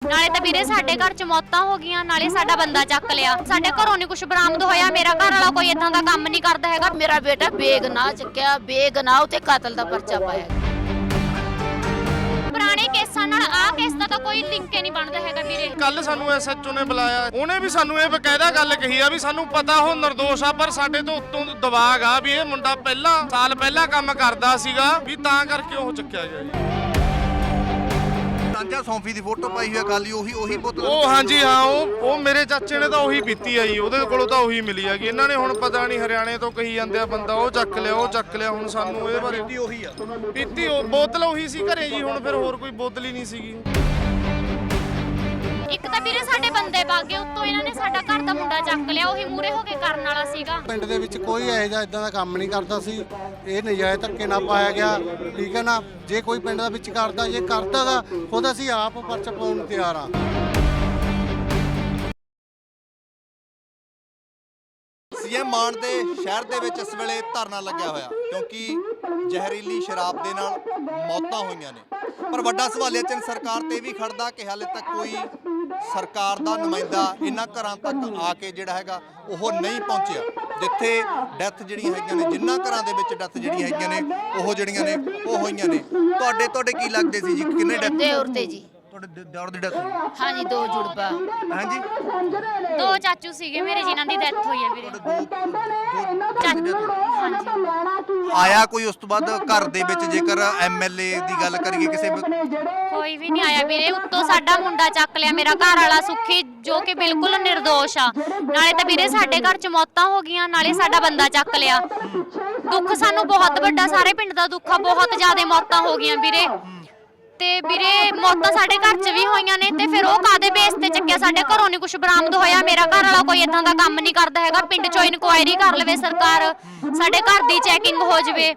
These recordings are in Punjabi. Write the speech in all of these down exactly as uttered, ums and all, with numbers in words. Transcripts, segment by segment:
ਨਾਲੇ ਤਾਂ ਵੀਰੇ ਸਾਡੇ ਘਰ ਚ ਮੌਤਾਂ ਹੋ ਗਈਆਂ, ਨਾਲੇ ਸਾਡਾ ਬੰਦਾ ਚੱਕ ਲਿਆ। ਸਾਡੇ ਘਰੋਂ ਨਹੀਂ ਕੁਝ ਬਰਾਮਦ ਹੋਇਆ। ਮੇਰਾ ਘਰ ਵਾਲਾ ਕੋਈ ਇਦਾਂ ਦਾ ਕੰਮ ਨਹੀਂ ਕਰਦਾ ਹੈਗਾ। ਮੇਰਾ ਬੇਟਾ ਬੇਗਨਾਹ ਚੱਕਿਆ, ਬੇਗਨਾਹ ਉਤੇ ਕਾਤਲ ਦਾ ਪਰਚਾ ਪਾਇਆ। ਪੁਰਾਣੇ ਕੇਸਾਂ ਨਾਲ ਆਹ ਕੇਸ ਦਾ ਤਾਂ ਕੋਈ ਲਿੰਕ ਹੀ ਨਹੀਂ ਬਣਦਾ ਹੈਗਾ ਵੀਰੇ। ਕੱਲ ਸਾਨੂੰ ਐਸਐਚਓ ਨੇ ਬੁਲਾਇਆ, ਉਹਨੇ ਵੀ ਸਾਨੂੰ ਇਹ ਬਕਾਇਦਾ ਗੱਲ ਕਹੀ ਆ ਵੀ ਸਾਨੂੰ ਪਤਾ ਉਹ ਨਿਰਦੋਸ਼ ਆ, ਪਰ ਸਾਡੇ ਤੋਂ ਉੱਤੋਂ ਦਬਾਅ ਆ ਵੀ ਇਹ ਮੁੰਡਾ ਪਹਿਲਾਂ ਸਾਲ ਪਹਿਲਾਂ ਕੰਮ ਕਰਦਾ ਸੀਗਾ, ਵੀ ਤਾਂ ਕਰਕੇ ਉਹ ਚੱਕਿਆ ਗਿਆ ਜੀ। ਰਾਂਝਾ ਸੌਂਫੀ ਦੀ ਫੋਟੋ ਪਾਈ ਹੋਈ ਆ ਖਾਲੀ, ਉਹੀ ਉਹੀ ਬੋਤਲ। ਉਹ ਹਾਂਜੀ ਹਾਂ, ਉਹ ਉਹ ਮੇਰੇ ਚਾਚੇ ਨੇ ਤਾਂ ਉਹੀ ਪੀਤੀ ਆ ਜੀ, ਉਹਦੇ ਕੋਲੋਂ ਤਾਂ ਉਹੀ ਮਿਲੀ ਹੈਗੀ। ਇਹਨਾਂ ਨੇ ਹੁਣ ਪਤਾ ਨਹੀਂ ਹਰਿਆਣੇ ਤੋਂ ਕਹੀ ਜਾਂਦੇ ਆ ਬੰਦਾ ਉਹ ਚੱਕ ਲਿਆ ਉਹ ਚੱਕ ਲਿਆ। ਹੁਣ ਸਾਨੂੰ ਇਹਦੇ ਬਾਰੇ ਪੀਤੀ ਉਹੀ ਆ, ਪੀਤੀ ਉਹ ਬੋਤਲ ਉਹੀ ਸੀ ਘਰੇ ਜੀ। ਹੁਣ ਫਿਰ ਹੋਰ ਕੋਈ ਬੋਤਲ ਹੀ ਨਹੀਂ ਸੀਗੀ। ਇੱਕ ਤਾਂ ਵੀਰੇ ਸਾਡੇ ਬੰਦੇ ਬਾਗੇ, ਉੱਤੋਂ ਇਹਨਾਂ ਨੇ ਸਾਡਾ ਘਰ ਦਾ ਮੁੰਡਾ ਚੱਕ ਲਿਆ। ਉਹੀ ਮੂਰੇ ਹੋ ਕੇ ਕਰਨ ਵਾਲਾ ਸੀਗਾ। ਪਿੰਡ ਦੇ ਵਿੱਚ ਕੋਈ ਇਹੋ ਜਿਹਾ ਇਦਾਂ ਦਾ ਕੰਮ ਨਹੀਂ ਕਰਦਾ ਸੀ। ਇਹ ਨਜਾਇਜ਼ ਧੱਕੇ ਨਾਲ ਪਾਇਆ ਗਿਆ, ਠੀਕ ਹੈ ਨਾ। ਜੇ ਕੋਈ ਪਿੰਡ ਦਾ ਵਿੱਚ ਕਰਦਾ, ਜੇ ਕਰਦਾ ਦਾ ਖੁਦ ਅਸੀਂ ਆਪ ਪਰਚਾ ਪਾਉਣ ਨੂੰ ਤਿਆਰ ਆ। ਸੀਐਮ ਮਾਨ ਦੇ ਸ਼ਹਿਰ ਦੇ ਵਿੱਚ ਇਸ ਵੇਲੇ ਧਰਨਾ ਲੱਗਿਆ ਹੋਇਆ, ਕਿਉਂਕਿ ਜ਼ਹਿਰੀਲੀ ਸ਼ਰਾਬ ਦੇ ਨਾਲ ਮੌਤਾਂ ਹੋਈਆਂ ਨੇ। ਪਰ ਵੱਡਾ ਸਵਾਲੀਆ ਚਿੰਨ੍ਹ ਸਰਕਾਰ ਤੇ ਵੀ ਖੜਦਾ ਕਿ ਹਾਲੇ ਤੱਕ ਕੋਈ ਸਰਕਾਰ ਦਾ ਨੁਮਾਇੰਦਾ ਇਹਨਾਂ ਘਰਾਂ ਤੱਕ ਆ ਕੇ ਜਿਹੜਾ ਹੈਗਾ ਉਹ ਨਹੀਂ ਪਹੁੰਚਿਆ, ਜਿੱਥੇ ਡੈਥ ਜਿਹੜੀਆਂ ਹੈਗੀਆਂ ਨੇ, ਜਿੰਨਾ ਘਰਾਂ ਦੇ ਵਿੱਚ ਡੈਥ ਜਿਹੜੀਆਂ ਹੈਗੀਆਂ ਨੇ ਉਹ ਜਿਹੜੀਆਂ ਨੇ ਉਹ ਹੋਈਆਂ ਨੇ। ਤੁਹਾਡੇ ਤੁਹਾਡੇ ਕੀ ਲੱਗਦੇ ਸੀ ਜੀ, ਕਿੰਨੇ ਡੈਥ? ਤੇ ਔਰਤੇ ਜੀ ਤੁਹਾਡੇ ਦੌਰ ਦੀ ਡੈਥ ਹੋਈ? ਹਾਂਜੀ, ਦੋ ਜੁੜਵਾ। ਹਾਂਜੀ, ਦੋ ਚਾਚੂ ਸੀਗੇ ਮੇਰੇ ਜਿਨ੍ਹਾਂ ਦੀ ਡੈਥ ਹੋਈ ਹੈ ਵੀਰੇ। ਹਾਂਜੀ। ਆਇਆ ਕੋਈ ਉਸ ਤੋਂ ਬਾਅਦ ਘਰ ਦੇ ਵਿੱਚ, ਜੇਕਰ ਐਮਐਲਏ ਦੀ ਗੱਲ ਕਰੀਏ, ਕਿਸੇ ਕੋਈ ਵੀ ਨਹੀਂ ਆਇਆ ਵੀਰੇ। ਉੱਤੋਂ ਸਾਡਾ ਮੁੰਡਾ ਚੱਕ ਲਿਆ, ਮੇਰਾ ਘਰ ਵਾਲਾ ਸੁੱਖੀ, ਜੋ ਕਿ ਬਿਲਕੁਲ ਨਿਰਦੋਸ਼ ਆ। ਨਾਲੇ ਤਾਂ ਵੀਰੇ ਸਾਡੇ ਘਰ ਚ ਮੌਤਾਂ ਹੋ ਗਈਆਂ, ਨਾਲੇ ਸਾਡਾ ਬੰਦਾ ਚੱਕ ਲਿਆ। ਦੁੱਖ ਸਾਨੂੰ ਬਹੁਤ ਵੱਡਾ, ਸਾਰੇ ਪਿੰਡ ਦਾ ਦੁੱਖ ਆ। ਬਹੁਤ ਜ਼ਿਆਦਾ ਮੌਤਾਂ ਹੋ ਗਈਆਂ ਵੀਰੇ। ਤੇ ਵੀਰੇ ਮੌਤਾਂ ਸਾਡੇ ਘਰ ਚ ਵੀ ਹੋਈਆਂ ਨੇ, ਤੇ ਫਿਰ ਉਹ ਕਾਦੇ ਬੇਸ ਤੇ ਚੱਕਿਆ? ਸਾਡੇ ਘਰੋਂ ਨਹੀਂ ਕੁਝ ਬਰਾਮਦ ਹੋਇਆ। ਮੇਰਾ ਘਰ ਵਾਲਾ ਕੋਈ ਇਦਾਂ ਦਾ ਕੰਮ ਨਹੀਂ ਕਰਦਾ ਹੈਗਾ। ਪਿੰਡ ਚੋਂ ਇਨਕੁਆਇਰੀ ਕਰ ਲਵੇ ਸਰਕਾਰ, ਸਾਡੇ ਘਰ ਦੀ ਚੈਕਿੰਗ ਹੋ ਜਵੇ।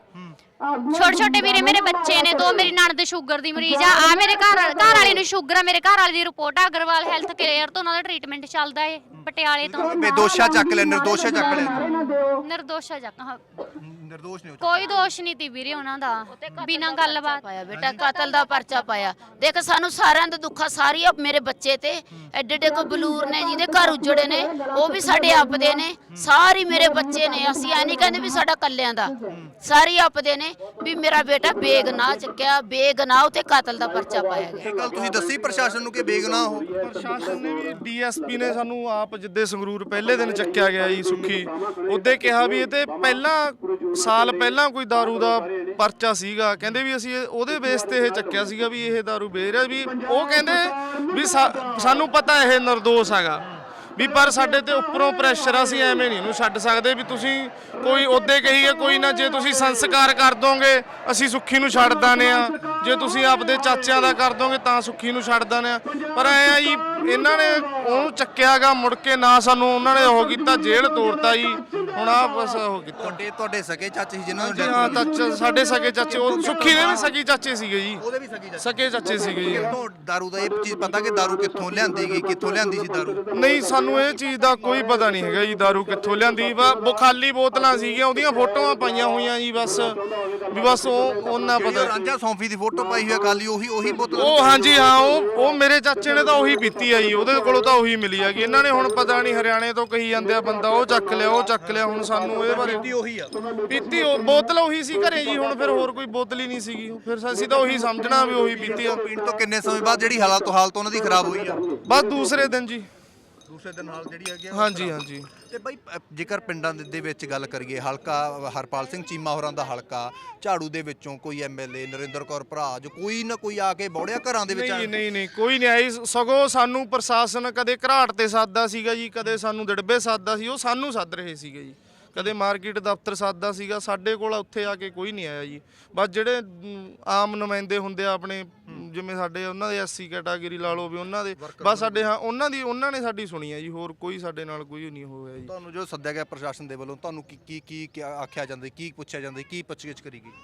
ਛੋਟੇ ਛੋਟੇ ਵੀਰੇ ਮੇਰੇ ਬੱਚੇ ਨੇ, ਦੋ ਮੇਰੀ ਨਣਦ ਸ਼ੂਗਰ ਦੀ ਮਰੀਜ਼ ਆ। ਆ ਮੇਰੇ ਘਰ ਘਰ ਵਾਲੇ ਨੂੰ ਸ਼ੂਗਰ ਆ। ਮੇਰੇ ਘਰ ਵਾਲੇ ਦੀ ਰਿਪੋਰਟ ਆ ਅਗਰਵਾਲ ਹੈਲਥ ਕੇਅਰ ਤੋਂ, ਉਹਨਾਂ ਦਾ ਟ੍ਰੀਟਮੈਂਟ ਚੱਲਦਾ ਏ ਪਟਿਆਲੇ ਤੋਂ। ਬੇਦੋਸ਼ਾ ਚੱਕ ਲੈ, ਨਿਰਦੋਸ਼ਾ ਚੱਕ ਲੈ। ਨਿਰਦੋਸ਼ਾ ਚੱਕ, ਹਾਂ, ਨਿਰਦੋਸ਼ ਨਹੀਂ, ਕੋਈ ਦੋਸ਼ ਨਹੀਂ ਤੀ ਵੀਰੇ ਉਹਨਾਂ ਦਾ, ਬਿਨਾਂ ਗੱਲਬਾਤ ਪਾਇਆ ਬੇਟਾ, ਕਾਤਲ ਦਾ ਪਰਚਾ ਪਾਇਆ। ਦੇਖ ਸਾਨੂੰ ਸਾਰਿਆਂ ਦਾ ਦੁੱਖਾ, ਸਾਰੀ ਮੇਰੇ ਬੱਚੇ ਤੇ ਐਡੇ ਐਡੇ ਕੋ ਬਲੂਰ ਨੇ ਜਿਹਦੇ ਘਰ ਉਜੜੇ ਨੇ, ਉਹ ਵੀ ਸਾਡੇ ਆਪਦੇ ਨੇ। ਸਾਰੀ ਮੇਰੇ ਬੱਚੇ ਨੇ। ਅਸੀਂ ਐ ਨਹੀਂ ਕਹਿੰਦੇ ਵੀ ਸਾਡਾ ਕੱਲਿਆਂ ਦਾ, ਸਾਰੀ ਆਪਦੇ ਨੇ। ਵੀ ਮੇਰਾ ਬੇਟਾ ਬੇਗਨਾਹ ਚੱਕਿਆ, ਬੇਗਨਾਹ ਉਤੇ ਕਾਤਲ ਦਾ ਪਰਚਾ ਪਾਇਆ ਗਿਆ। ਇਹ ਗੱਲ ਤੁਸੀਂ ਦੱਸੀ ਪ੍ਰਸ਼ਾਸਨ ਨੂੰ ਕਿ ਬੇਗਨਾਹ ਹੋ? ਪ੍ਰਸ਼ਾਸਨ ਨੇ ਵੀ, ਡੀਐਸਪੀ ਨੇ ਸਾਨੂੰ ਆਪ ਜਿੱਦੇ ਸੰਗਰੂਰ ਪਹਿਲੇ ਦਿਨ ਚੱਕਿਆ ਗਿਆ ਜੀ ਸੁੱਖੀ, ਉਹਦੇ ਕਿਹਾ ਵੀ ਇਹ ਤੇ ਪਹਿਲਾਂ ਸਾਲ ਪਹਿਲਾਂ ਕੋਈ ਦਾਰੂ ਦਾ ਪਰਚਾ ਸੀਗਾ। ਕਹਿੰਦੇ ਵੀ ਅਸੀਂ ਉਹਦੇ ਬੇਸ ਤੇ ਇਹ ਚੱਕਿਆ ਸੀਗਾ ਵੀ ਇਹ ਦਾਰੂ ਵੇਚ ਰਿਹਾ। ਵੀ ਉਹ ਕਹਿੰਦੇ ਵੀ ਸਾਨੂੰ ਪਤਾ ਇਹ ਨਿਰਦੋਸ਼ ਹੈਗਾ, ਵੀ ਪਰ ਸਾਡੇ ਤੇ ਉੱਪਰੋਂ ਪ੍ਰੈਸ਼ਰ ਆ, ਅਸੀਂ ਐਵੇਂ ਨਹੀਂ ਇਹਨੂੰ ਛੱਡ ਸਕਦੇ। ਵੀ ਤੁਸੀਂ ਕੋਈ ਉਹਦੇ ਕਹੀਏ ਕੋਈ ਨਾ, ਜੇ ਤੁਸੀਂ ਸੰਸਕਾਰ ਕਰ ਦੋਗੇ ਅਸੀਂ ਸੁੱਖੀ ਨੂੰ ਛੱਡ ਦਾਨੇ ਆ, ਜੇ ਤੁਸੀਂ ਆਪਦੇ ਚਾਚਿਆਂ ਦਾ ਕਰ ਦੋਗੇ ਤਾਂ ਸੁੱਖੀ ਨੂੰ ਛੱਡ ਦਾਨੇ ਆ। ਪਰ ਐ ਆ ਜੀ, ਇਹਨਾਂ ਨੇ ਉਹਨੂੰ ਚੱਕਿਆਗਾ, ਮੁੜ ਕੇ ਨਾ ਸਾਨੂੰ ਉਹਨਾਂ ਨੇ ਉਹ ਕੀਤਾ, ਜੇਲ੍ਹ ਤੋੜਤਾ ਜੀ। ਹੁਣ ਆ ਬਸ ਉਹ ਕੀਤਾ। ਤੁਹਾਡੇ ਤੁਹਾਡੇ ਸਕੇ ਚਾਚੇ ਸੀ ਜਿਨ੍ਹਾਂ ਨੂੰ ਜੀ ਹਾਂ, ਚਾਚਾ ਸਾਡੇ ਸਕੇ ਚਾਚੇ, ਉਹ ਸੁੱਖੀ ਦੇ ਵੀ ਸਕੀ ਚਾਚੇ ਸੀਗੇ ਜੀ। ਉਹਦੇ ਵੀ ਸਕੇ ਚਾਚੇ ਸਕੇ ਚਾਚੇ ਸੀਗੇ ਜੀ। ਕਿੱਥੋਂ ਦਾਰੂ ਦਾ ਇਹ ਚੀਜ਼ ਪਤਾ ਕਿ ਦਾਰੂ ਕਿੱਥੋਂ ਲਿਆਂਦੀ ਗਈ, ਕਿੱਥੋਂ ਲਿਆਂਦੀ ਸੀ ਦਾਰੂ? ਨਹੀਂ, ਸਾਨੂੰ ਇਹ ਚੀਜ਼ ਦਾ ਕੋਈ ਪਤਾ ਨਹੀਂ ਹੈਗਾ ਜੀ, ਦਾਰੂ ਕਿੱਥੋਂ ਲਿਆਂਦੀ। ਵਾ ਖਾਲੀ ਬੋਤਲਾਂ ਸੀਗੀਆਂ, ਉਹਦੀਆਂ ਫੋਟੋਆਂ ਪਾਈਆਂ ਹੋਈਆਂ ਜੀ, ਬਸ ਵੀ ਬਸ ਉਹ ਉਹਨਾਂ ਪਤਾ। ਰਾਂਝਾ ਸੌਂਫੀ ਦੀ ਫੋਟੋ ਪਾਈ ਹੋਈ ਆ ਖਾਲੀ, ਉਹੀ ਉਹੀ ਬੋਤਲ। ਉਹ ਹਾਂਜੀ ਹਾਂ, ਉਹ ਉਹ ਮੇਰੇ ਚਾਚੇ ਨੇ ਤਾਂ ਉਹੀ ਪੀਤੀ ਆ ਜੀ, ਉਹਦੇ ਕੋਲੋਂ ਤਾਂ ਉਹੀ ਮਿਲੀ ਹੈਗੀ। ਇਹਨਾਂ ਨੇ ਹੁਣ ਪਤਾ ਨਹੀਂ ਹਰਿਆਣੇ ਤੋਂ ਕਹੀ ਜਾਂਦੇ ਆ ਬੰਦਾ ਉਹ ਚੱਕ ਲਿਆ ਉਹ ਚੱਕ ਲਿਆ। ਹੁਣ ਸਾਨੂੰ ਇਹਦੇ ਬਾਰੇ ਪੀਤੀ ਉਹੀ ਆ, ਪੀਤੀ ਉਹ ਬੋਤਲ ਉਹੀ ਸੀ ਘਰੇ ਜੀ। ਹੁਣ ਫਿਰ ਹੋਰ ਕੋਈ ਬੋਤਲ ਹੀ ਨਹੀਂ ਸੀਗੀ, ਫਿਰ ਅਸੀਂ ਤਾਂ ਉਹੀ ਸਮਝਣਾ ਵੀ ਉਹੀ ਪੀਤੀ ਆ। ਪੀਣ ਤੋਂ ਕਿੰਨੇ ਸਮੇਂ ਬਾਅਦ ਜਿਹੜੀ ਹਾਲਤ ਹਾਲਤ ਉਹਨਾਂ ਦੀ ਖਰਾਬ ਹੋਈ ਆ? ਬਸ ਦੂਸਰੇ ਦਿਨ ਜੀ, ਦੂਸਰੇ ਦਿਨ ਹਾਲ ਜਿਹੜੀ ਹੈਗੀ ਆ। ਹਾਂਜੀ ਹਾਂਜੀ। ਤੇ ਬਾਈ ਜੇਕਰ ਪਿੰਡਾਂ ਦੇ ਵਿੱਚ ਗੱਲ ਕਰੀਏ, ਹਲਕਾ ਹਰਪਾਲ ਸਿੰਘ ਚੀਮਾ ਹੋਰਾਂ ਦਾ ਹਲਕਾ ਝਾੜੂ ਦੇ ਵਿੱਚੋਂ ਕੋਈ ਐਮਐਲਏ ਨਰਿੰਦਰ ਕੌਰ ਭਰਾ ਜੋ ਕੋਈ ਨਾ ਕੋਈ ਆ ਕੇ ਬੌੜਿਆ ਘਰਾਂ ਦੇ ਵਿੱਚ? ਨਹੀਂ ਨਹੀਂ ਨਹੀਂ, ਕੋਈ ਨਹੀਂ ਆਈ। ਸਗੋਂ ਸਾਨੂੰ ਪ੍ਰਸ਼ਾਸਨ ਕਦੇ ਘਰਾਟ ਤੇ ਸਾਦਾ ਸੀਗਾ ਜੀ, ਕਦੇ ਸਾਨੂੰ ਦਿੜਬੇ ਸਾਦਾ ਸੀ, ਉਹ ਸਾਨੂੰ ਸੱਦ ਰਹੇ ਸੀਗੇ ਜੀ। ਕਦੇ ਮਾਰਕੀਟ ਦਫ਼ਤਰ ਸਾਦਾ ਸੀਗਾ, ਸਾਡੇ ਕੋਲ ਉੱਥੇ ਆ ਕੇ ਕੋਈ ਨਹੀਂ ਆਇਆ ਜੀ। ਬਸ ਜਿਹੜੇ ਆਮ ਨੁਮਾਇੰਦੇ ਹੁੰਦੇ ਆ ਆਪਣੇ, ਜਿਵੇਂ ਸਾਡੇ ਉਹਨਾਂ ਦੇ ਐਸਸੀ ਕੈਟਾਗਰੀ ਲਾ ਲਓ, ਵੀ ਉਹਨਾਂ ਦੇ ਬਸ ਸਾਡੇ, ਹਾਂ ਉਹਨਾਂ ਦੀ, ਉਹਨਾਂ ਨੇ ਸਾਡੀ ਸੁਣੀ ਹੈ ਜੀ। ਹੋਰ ਕੋਈ ਸਾਡੇ ਨਾਲ ਕੋਈ ਨਹੀਂ ਹੋਇਆ ਜੀ। ਤੁਹਾਨੂੰ ਜੋ ਸੱਦਿਆ ਗਿਆ ਪ੍ਰਸ਼ਾਸਨ ਦੇ ਵੱਲੋਂ, ਤੁਹਾਨੂੰ ਕੀ ਕੀ ਕੀ ਆਖਿਆ ਜਾਂਦਾ, ਕੀ ਪੁੱਛਿਆ ਜਾਂਦਾ, ਕੀ ਪੁੱਛਗਿੱਛ ਕਰੀ ਗਈ?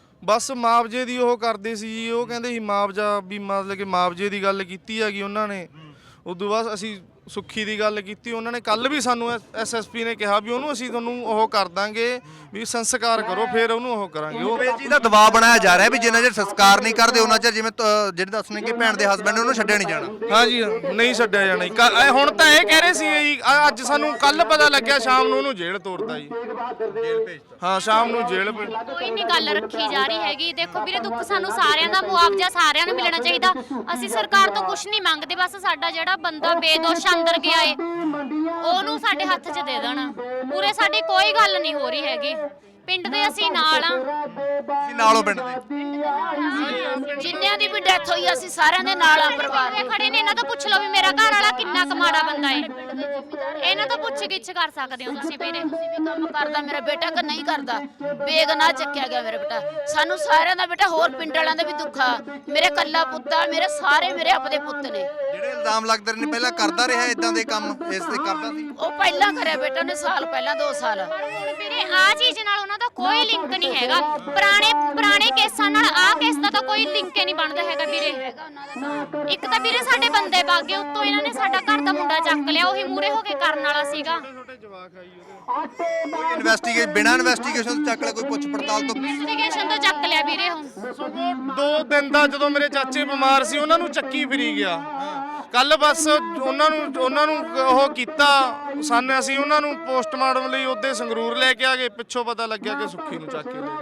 ਬਸ ਮੁਆਵਜ਼ੇ ਦੀ ਉਹ ਕਰਦੇ ਸੀ ਜੀ। ਉਹ ਕਹਿੰਦੇ ਸੀ ਮੁਆਵਜ਼ਾ, ਵੀ ਮਤਲਬ ਕਿ ਮੁਆਵਜ਼ੇ ਦੀ ਗੱਲ ਕੀਤੀ ਹੈਗੀ ਉਹਨਾਂ ਨੇ। ਉਦੋਂ ਬਾਅਦ ਅਸੀਂ ਸੁੱਖੀ ਦੀ ਗੱਲ ਕੀਤੀ, ਉਹਨਾਂ ਨੇ ਕੱਲ ਵੀ ਸਾਨੂੰ ਐਸਐਸਪੀ ਨੇ ਕਿਹਾ ਵੀ ਉਹਨੂੰ ਅਸੀਂ ਤੁਹਾਨੂੰ ਉਹ ਕਰ ਦਾਂਗੇ ਵੀ ਸੰਸਕਾਰ ਕਰੋ, ਫਿਰ ਉਹਨੂੰ ਉਹ ਕਰਾਂਗੇ। ਉਹ ਇਸ ਚੀਜ਼ ਦਾ ਦਬਾਅ ਬਣਾਇਆ ਜਾ ਰਿਹਾ ਵੀ ਜਿੰਨਾ ਚਿਰ ਸੰਸਕਾਰ ਨਹੀਂ ਕਰਦੇ ਉਹਨਾਂ ਚਿਰ, ਜਿਵੇਂ ਤ- ਜਿਹੜੇ ਦੱਸਣੇ ਕਿ ਭੈਣ ਦੇ ਹਸਬੰਡ ਨੇ ਉਹਨੂੰ ਛੱਡਿਆ ਨਹੀਂ ਜਾਣਾ। ਹਾਂਜੀ ਨਹੀਂ ਛੱਡਿਆ ਜਾਣਾ ਜੀ। ਕੱਲ੍ਹ- ਇਹ ਹੁਣ ਤਾਂ ਇਹ ਕਹਿ ਰਹੇ ਸੀ ਜੀ, ਅ- ਅੱਜ ਸਾਨੂੰ ਕੱਲ ਪਤਾ ਲੱਗਿਆ ਸ਼ਾਮ ਨੂੰ ਉਹਨੂੰ ਜੇਲ੍ਹ ਤੋਰਤਾ ਜੀ। ਜੇਲ੍ਹ ਭੇਜਤਾ। ਹਾਂ ਸ਼ਾਮ ਨੂੰ ਜੇਲ੍ਹ ਭੇਜ- ਕੋਈ ਨਹੀਂ ਗੱਲ ਰੱਖੀ ਜਾ ਰਹੀ ਹੈਗੀ। ਦੇਖੋ ਵੀਰੇ, ਦੁੱਖ ਸਾਨੂੰ ਸਾਰਿਆਂ ਦਾ ਮੁਆਵਜ਼ਾ ਸਾਰਿਆਂ ਨੂੰ ਮਿਲਣਾ ਚਾਹੀਦਾ। ਅਸੀਂ ਸਰਕਾਰ ਤੋਂ ਕੁਝ ਨਹੀਂ ਮੰਗਦੇ, ਬਸ ਸਾਡਾ ਜਿਹੜਾ ਬੰਦਾ ਬੇਦੋਸ਼ ਅੰਦਰ ਗਿਆ ਏ ਉਹਨੂੰ ਸਾਡੇ ਹੱਥ 'ਚ ਦੇ ਦੇਣਾ। ਪੂਰੇ ਸਾਡੀ ਕੋਈ ਗੱਲ ਨਹੀਂ ਹੋ ਰਹੀ ਹੈਗੀ। ਪਿੰਡ ਦੇ ਅਸੀਂ ਨਾਲ ਆ, ਤੁਸੀਂ ਨਾਲੋਂ ਪਿੰਡ ਦੇ ਜਿੰਨਿਆਂ ਦੀ ਵੀ ਡੈਥ ਹੋਈ ਅਸੀਂ ਸਾਰਿਆਂ ਦੇ ਨਾਲ ਆ ਪਰਿਵਾਰ ਇਹ ਖੜੇ ਨੇ, ਇਹਨਾਂ ਤੋਂ ਪੁੱਛ ਲਓ ਵੀ ਮੇਰਾ ਘਰ ਵਾਲਾ ਕਿੰਨਾ ਕਮਾੜਾ ਬੰਦਾ ਏ। ਇਹਨਾਂ ਤੋਂ ਪੁੱਛ ਗਿੱਛ ਕਰ ਸਕਦੇ ਹੋ ਤੁਸੀਂ ਵੀਰੇ। ਤੁਸੀਂ ਵੀ ਕੰਮ ਕਰਦਾ ਮੇਰਾ ਬੇਟਾ ਕਿ ਨਹੀਂ ਕਰਦਾ, ਬੇਗਨਾਹ ਚੱਕਿਆ ਗਿਆ ਮੇਰਾ ਬੇਟਾ। ਸਾਨੂੰ ਸਾਰਿਆਂ ਦਾ ਬੇਟਾ, ਹੋਰ ਪਿੰਡ ਵਾਲਿਆਂ ਦਾ ਵੀ ਦੁੱਖ ਆ। ਮੇਰੇ ਕੱਲਾ ਪੁੱਤ ਆ, ਮੇਰੇ ਸਾਰੇ ਮੇਰੇ ਆਪਦੇ ਪੁੱਤ ਨੇ। ਜਿਹੜੇ ਇਲਜ਼ਾਮ ਲੱਗਦੇ ਨੇ ਪਹਿਲਾਂ ਕਰਦਾ ਰਿਹਾ ਇਦਾਂ ਦੇ ਕੰਮ, ਇਸ ਤੇ ਕਰਦਾ ਸੀ। ਉਹ ਪਹਿਲਾਂ ਕਰਿਆ ਬੇਟਾ ਨੇ, ਸਾਲ ਪਹਿਲਾਂ ਦੋ ਸਾਲ। ਹੁਣ ਵੀਰੇ ਆਹ ਚੀਜ਼ ਨਾਲ ਉਹਨਾਂ ਦਾ ਕੋਈ ਲਿੰਕ ਨਹੀਂ ਹੈਗਾ। ਪੁਰਾਣੇ ਪੁਰਾਣੇ ਕੇਸਾਂ ਨਾਲ ਆਹ ਕੇਸ ਦਾ ਤਾਂ ਕੋਈ ਲਿੰਕ ਹੀ ਨਹੀਂ ਬਣਦਾ ਹੈਗਾ ਵੀਰੇ। ਇੱਕ ਤਾਂ ਵੀਰੇ ਸਾਡੇ ਬੰਦੇ ਬਾਗੇ, ਉੱਤੋਂ ਇਹਨਾਂ ਨੇ ਸਾਡਾ ਘਰ ਦਾ ਮੁੰਡਾ ਚੱਕ ਲਿਆ, ਉਹੀ ਮੂਰੇ ਹੋ ਕੇ ਕਰਨ ਵਾਲਾ ਸੀਗਾ। ਛੋਟੇ ਜਵਾਕ ਆਈ ਉਹਦੇ ਕੋਈ ਇਨਵੈਸਟੀਗੇਸ਼ਨ, ਬਿਨਾਂ ਇਨਵੈਸਟੀਗੇਸ਼ਨ ਤੋਂ ਚੱਕ ਲਿਆ, ਕੋਈ ਪੁੱਛ ਪੜਤਾਲ ਤੋਂ। ਇਨਵੈਸਟੀਗੇਸ਼ਨ ਤੋਂ ਚੱਕ ਲਿਆ ਵੀਰੇ। ਹੁਣ ਸਗੋਂ ਦੋ ਦਿਨ ਦਾ ਜਦੋਂ ਮੇਰੇ ਚਾਚੇ ਬਿਮਾਰ ਸੀ ਉਹਨਾਂ ਨੂੰ ਚੱਕੀ ਫਿਰੀ ਗਿਆ। ਕੱਲ ਬਸ ਉਹਨਾਂ ਨੂੰ ਉਹਨਾਂ ਨੂੰ ਉਹ ਕੀਤਾ ਸਾਨੂੰ, ਅਸੀਂ ਉਹਨਾਂ ਨੂੰ ਪੋਸਟਮਾਰਟਮ ਲਈ ਉਹਦੇ ਸੰਗਰੂਰ ਲੈ ਕੇ ਆ ਗਏ। ਪਿੱਛੋਂ ਪਤਾ ਲੱਗਿਆ ਕਿ ਸੁੱਖੀ ਨੂੰ ਚੱਕ ਕੇ ਲੈ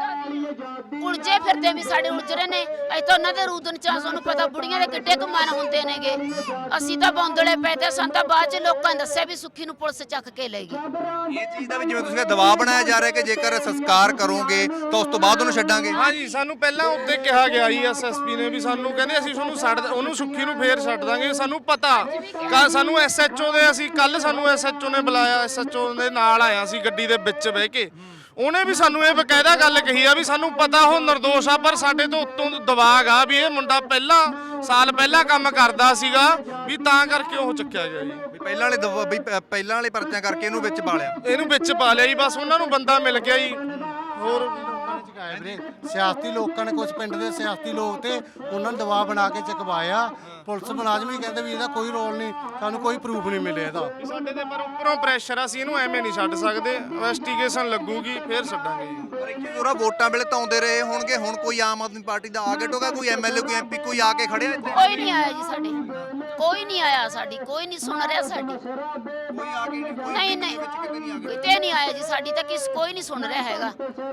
ਗਏ। ਉਲਝੇ ਫਿਰਦੇ ਵੀ ਸਾਡੇ ਉਲਝ ਰਹੇ ਨੇ। ਅਸੀਂ ਤਾਂ ਉਹਨਾਂ ਦੇ ਰੂਦਨ ਚਾਹ, ਸਾਨੂੰ ਪਤਾ ਬੁੜੀਆਂ ਦੇ ਕਿੱਡੇ ਕੁ ਮਨ ਹੁੰਦੇ ਨੇਗੇ। ਅਸੀਂ ਤਾਂ ਬੌਂਦਲੇ ਪਏ ਤੇ ਸਾਨੂੰ ਤਾਂ ਬਾਅਦ ਚ ਲੋਕਾਂ ਨੇ ਦੱਸਿਆ ਵੀ ਸੁੱਖੀ ਨੂੰ ਪੁਲਿਸ ਚੱਕ ਕੇ ਲੈ ਗਈ। ਇਹ ਚੀਜ਼ ਦਾ ਵੀ ਜਿਵੇਂ ਤੁਸੀਂ ਕਿਹਾ ਦਬਾਅ ਬਣਾਇਆ ਜਾ ਰਿਹਾ ਕਿ ਜੇਕਰ ਸੰਸਕਾਰ ਕਰੋਗੇ ਤਾਂ ਉਸ ਤੋਂ ਬਾਅਦ ਉਹਨੂੰ ਛੱਡਾਂਗੇ। ਹਾਂਜੀ ਸਾਨੂੰ ਪਹਿਲਾਂ ਉੱਤੇ ਕਿਹਾ ਗਿਆ ਜੀ ਐਸਐਸਪੀ ਨੇ ਵੀ ਸਾਨੂੰ ਕਹਿੰਦੇ ਅਸੀਂ ਤੁਹਾਨੂੰ ਛੱਡ ਉਹਨੂੰ ਸੁੱਖੀ ਨੂੰ ਫੇਰ ਛੱਡ ਦਾਂਗੇ। ਸਾਨੂੰ ਪਤਾ ਕੱਲ੍ਹ ਸਾਨੂੰ ਐਸਐਚਓ ਦੇ ਅਸੀਂ ਕੱਲ ਸਾਨੂੰ ਐਸਐਚਓ ਨੇ ਬੁਲਾਇਆ, ਐਸਐਚਓ ਦੇ ਨਾਲ ਆਇਆ ਸੀ ਗੱਡੀ ਦੇ ਵਿੱਚ ਬਹਿ ਕੇ। ਉਹਨੇ ਵੀ ਸਾਨੂੰ ਇਹ ਬਕਾਇਦਾ ਗੱਲ ਕਹੀ ਆ ਵੀ ਸਾਨੂੰ ਪਤਾ ਉਹ ਨਿਰਦੋਸ਼ ਆ, ਪਰ ਸਾਡੇ ਤੋਂ ਉੱਤੋਂ ਦਬਾਅ ਆ ਵੀ ਇਹ ਮੁੰਡਾ ਪਹਿਲਾਂ ਸਾਲ ਪਹਿਲਾਂ ਕੰਮ ਕਰਦਾ ਸੀਗਾ ਵੀ ਤਾਂ ਕਰਕੇ ਉਹ ਚੱਕਿਆ ਗਿਆ ਜੀ। ਵੀ ਪਹਿਲਾਂ ਵਾਲੇ ਦਵਾ- ਵੀ ਪ- ਪਹਿਲਾਂ ਵਾਲੇ ਪਰਚਿਆਂ ਕਰਕੇ ਇਹਨੂੰ ਵਿੱਚ ਪਾ ਲਿਆ। ਇਹਨੂੰ ਵਿੱਚ ਪਾ ਲਿਆ ਜੀ, ਬਸ ਉਹਨਾਂ ਨੂੰ ਬੰਦਾ ਮਿਲ ਗਿਆ ਜੀ। ਹੋਰ ਵੀਰੇ ਸਿਆਸਤੀ ਲੋਕਾਂ ਨੇ, ਕੁਝ ਪਿੰਡ ਦੇ ਸਿਆਸਤੀ ਲੋਕ ਤੇ ਉਹਨਾਂ ਨੂੰ ਦਬਾਅ ਬਣਾ ਕੇ ਚੁਕਵਾਇਆ। ਪੁਲਿਸ ਮੁਲਾਜ਼ਮ ਵੀ ਕਹਿੰਦੇ ਵੀ ਇਹਦਾ ਕੋਈ ਰੋਲ ਨਹੀਂ, ਸਾਨੂੰ ਕੋਈ ਪ੍ਰੂਫ ਨਹੀਂ ਮਿਲਿਆ ਇਹਦਾ। ਸਾਡੇ ਤੇ ਪਰ ਉੱਪਰੋਂ ਪ੍ਰੈਸ਼ਰ ਆ, ਅਸੀਂ ਇਹਨੂੰ ਐਵੇਂ ਨਹੀਂ ਛੱਡ ਸਕਦੇ। ਇਨਵੈਸਟੀਗੇਸ਼ਨ ਲੱਗੂਗੀ ਫਿਰ ਛੱਡਾਂਗੇ ਜੀ। ਪਰ ਇੱਕ ਚੀਜ਼ ਹੋਰ ਆ, ਵੋਟਾਂ ਵੇਲੇ ਤਾਂ ਆਉਂਦੇ ਰਹੇ ਹੋਣਗੇ, ਹੁਣ ਕੋਈ ਆਮ ਆਦਮੀ ਪਾਰਟੀ ਦਾ ਆ ਕੇ ਟੋਗਾ, ਕੋਈ ਐਮਐਲਏ ਕੋਈ ਐਮਪੀ ਕੋਈ ਆ ਕੇ ਖੜਿਆ ਇੱਥੇ? ਕੋਈ ਨਹੀਂ ਆਇਆ ਜੀ ਸਾਡੇ, ਕੋਈ ਨਹੀਂ ਆਇਆ ਸਾਡੀ, ਕੋਈ ਨਹੀਂ ਸੁਣ ਰਿਹਾ ਸਾਡੀ। ਕੋਈ ਆ ਕੇ ਨਹੀਂ, ਕੋਈ ਨਹੀਂ ਨਹੀਂ ਵਿੱਚ ਕਿਤੇ ਨਹੀਂ ਆ ਗਿਆ। ਕਿਤੇ ਨਹੀਂ ਆਇਆ ਜੀ ਸਾਡੀ ਤਾਂ, ਕਿਸ ਕੋਈ ਨਹੀਂ ਸੁਣ ਰਿਹਾ ਹੈਗਾ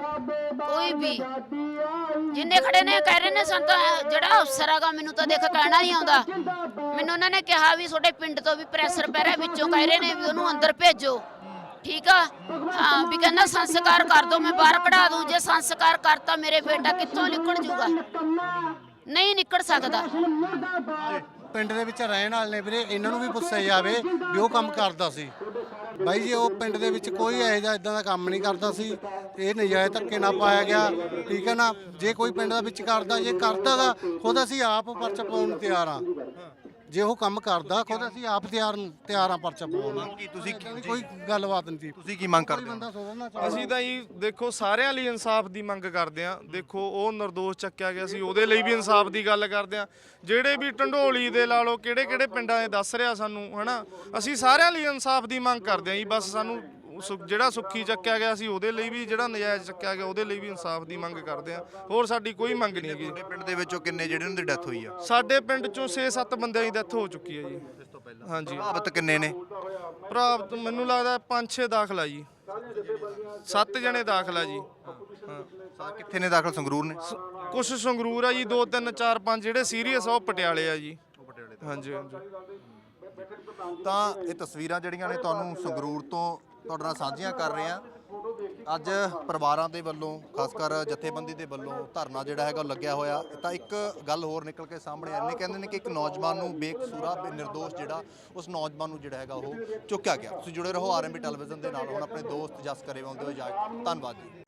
ਕੋਈ ਵੀ। ਜਿੰਨੇ ਖੜੇ ਨੇ ਕਹਿ ਰਹੇ ਨੇ ਸਾਨੂੰ ਤਾਂ ਜਿਹੜਾ ਅਫਸਰ ਹੈਗਾ, ਮੈਨੂੰ ਤਾਂ ਦੇਖ ਕਹਿਣਾ ਨਹੀਂ ਆਉਂਦਾ। ਮੈਨੂੰ ਉਹਨਾਂ ਨੇ ਕਿਹਾ ਵੀ ਤੁਹਾਡੇ ਪਿੰਡ ਤੋਂ ਵੀ ਪ੍ਰੈਸ਼ਰ ਪੈ ਰਿਹਾ, ਵਿੱਚੋਂ ਕਹਿ ਰਹੇ ਨੇ ਵੀ ਉਹਨੂੰ ਅੰਦਰ ਭੇਜੋ। ਠੀਕ ਆ, ਹਾਂ ਵੀ ਕਹਿੰਦਾ ਸੰਸਕਾਰ ਕਰ ਦੋ, ਮੈਂ ਬਾਹਰ ਕਢਾ ਦੂੰ। ਜੇ ਸੰਸਕਾਰ ਕਰਤਾ ਮੇਰੇ ਬੇਟਾ ਕਿੱਥੋਂ ਨਿਕਲ ਜੂਗਾ? ਨਹੀਂ ਨਿਕਲ ਸਕਦਾ। ਪਿੰਡ ਦੇ ਵਿੱਚ ਰਹਿਣ ਵਾਲੇ ਨੇ ਵੀਰੇ, ਇਹਨਾਂ ਨੂੰ ਵੀ ਪੁੱਛਿਆ ਜਾਵੇ ਵੀ ਉਹ ਕੰਮ ਕਰਦਾ ਸੀ। ਬਾਈ ਜੀ ਉਹ ਪਿੰਡ ਦੇ ਵਿੱਚ ਕੋਈ ਇਹੋ ਜਿਹਾ ਇਦਾਂ ਦਾ ਕੰਮ ਨਹੀਂ ਕਰਦਾ ਸੀ। ਇਹ ਨਜਾਇਜ਼ ਧੱਕੇ ਨਾਲ ਪਾਇਆ ਗਿਆ, ਠੀਕ ਹੈ ਨਾ। ਜੇ ਕੋਈ ਪਿੰਡ ਦਾ ਵਿੱਚ ਕਰਦਾ, ਜੇ ਕਰਦਾ ਗਾ ਖੁਦ ਅਸੀਂ ਆਪ ਪਰਚਾ ਪਾਉਣ ਨੂੰ ਤਿਆਰ ਆ। ਜੇ ਉਹ ਕੰਮ ਕਰਦਾ ਖੁਦ ਅਸੀਂ ਆਪ ਤਿਆਰ ਤਿਆਰ ਆ ਪਰਚਾ ਪਾਉਣ ਨੂੰ। ਕੀ ਤੁਸੀਂ ਏਦਾਂ ਦੀ ਕੋਈ ਗੱਲਬਾਤ ਨਹੀਂ ਸੀ। ਤੁਸੀਂ ਕੀ ਮੰਗ ਕੋਈ ਕਰਦੇ ਹੋ? ਬੰਦਾ ਸੋਚਣਾ ਚਾਹੁੰਦਾ ਅਸੀਂ ਤਾਂ ਜੀ ਦੇਖੋ ਸਾਰਿਆਂ ਲਈ ਇਨਸਾਫ ਦੀ ਮੰਗ ਕਰਦੇ ਆਂ। ਦੇਖੋ ਉਹ ਨਿਰਦੋਸ਼ ਚੱਕਿਆ ਗਿਆ ਸੀ, ਉਹਦੇ ਲਈ ਵੀ ਇਨਸਾਫ ਦੀ ਗੱਲ ਕਰਦੇ ਆਂ। ਜਿਹੜੇ ਵੀ ਢੰਡੋਲੀ ਦੇ ਲਾ ਲਓ, ਕਿਹੜੇ ਕਿਹੜੇ ਪਿੰਡਾਂ ਦੇ ਦੱਸ ਰਿਹਾ ਸਾਨੂੰ, ਹਨਾ। ਅਸੀਂ ਸਾਰਿਆਂ ਲਈ ਇਨਸਾਫ ਦੀ ਮੰਗ ਕਰਦੇ ਆਂ ਜੀ। ਬਸ ਸਾਨੂੰ ਸੁ- ਜਿਹੜਾ ਸੁੱਖੀ ਚੱਕਿਆ ਗਿਆ ਸੀ ਉਹਦੇ ਲਈ ਵੀ, ਜਿਹੜਾ ਨਜਾਇਜ਼ ਚੱਕਿਆ ਗਿਆ ਉਹਦੇ ਲਈ ਵੀ ਇਨਸਾਫ ਦੀ ਮੰਗ ਕਰਦੇ ਆਂ। ਹੋਰ ਸਾਡੀ ਕੋਈ ਮੰਗ ਨਹੀਂ ਹੈਗੀ। ਤੁਹਾਡੇ ਪਿੰਡ ਦੇ ਵਿੱਚੋਂ ਕਿੰਨੇ ਜਿਹੜੇ ਉਹਨਾਂ ਦੀ ਡੈਥ ਹੋਈ ਆ? ਸਾਡੇ ਪਿੰਡ ਚੋਂ ਛੇ ਸੱਤ ਬੰਦਿਆਂ ਦੀ ਡੈਥ ਹੋ ਚੁੱਕੀ ਹੈ ਜੀ। ਇਸ ਤੋਂ ਪਹਿਲਾਂ ਹਾਂਜੀ ਪ੍ਰਭਾਵਿਤ ਕਿੰਨੇ ਨੇ? ਪ੍ਰਾਪਤ ਮੈਨੂੰ ਲੱਗਦਾ ਪੰਜ ਛੇ ਦਾਖਲਾ ਜੀ, ਸੱਤ ਜਣੇ ਦਾਖਲਾ ਜੀ। ਹਾਂ ਸਾ ਕਿੱਥੇ ਨੇ ਦਾਖਲ? ਸੰਗਰੂਰ ਨੇ? ਕੁਛ ਸੰਗਰੂਰ ਆ ਜੀ, ਦੋ ਤਿੰਨ ਚਾਰ ਪੰਜ ਜਿਹੜੇ ਸੀਰੀਅਸ ਆ ਉਹ ਪਟਿਆਲੇ ਆ ਜੀ। ਹਾਂਜੀ ਹਾਂਜੀ। ਤਾਂ ਇਹ ਤਸਵੀਰਾਂ ਜਿਹੜੀਆਂ ਨੇ ਤੁਹਾਨੂੰ ਸੰਗਰੂਰ ਤੋਂ ਤੁਹਾਡੇ ਨਾਲ ਸਾਂਝੀਆਂ ਕਰ ਰਹੇ ਹਾਂ। ਅੱਜ ਪਰਿਵਾਰਾਂ ਦੇ ਵੱਲੋਂ, ਖਾਸ ਕਰ ਜਥੇਬੰਦੀ ਦੇ ਵੱਲੋਂ ਧਰਨਾ ਜਿਹੜਾ ਹੈਗਾ ਉਹ ਲੱਗਿਆ ਹੋਇਆ। ਤਾਂ ਇੱਕ ਗੱਲ ਹੋਰ ਨਿਕਲ ਕੇ ਸਾਹਮਣੇ ਆਉਂਦੀ, ਕਹਿੰਦੇ ਨੇ ਕਿ ਇੱਕ ਨੌਜਵਾਨ ਨੂੰ ਬੇਕਸੂਰਾ ਨਿਰਦੋਸ਼ ਜਿਹੜਾ ਉਸ ਨੌਜਵਾਨ ਨੂੰ ਜਿਹੜਾ ਹੈਗਾ ਉਹ ਚੁੱਕਿਆ ਗਿਆ। ਤੁਸੀਂ ਜੁੜੇ ਰਹੋ ਆਰਐਮਬੀ ਟੈਲੀਵਿਜ਼ਨ ਦੇ ਨਾਲ। ਹੁਣ ਆਪਣੇ ਦੋਸਤ ਜਸ ਕਰੇਵਾਲ ਦੇ ਹੋ ਜਾ, ਧੰਨਵਾਦ ਜੀ।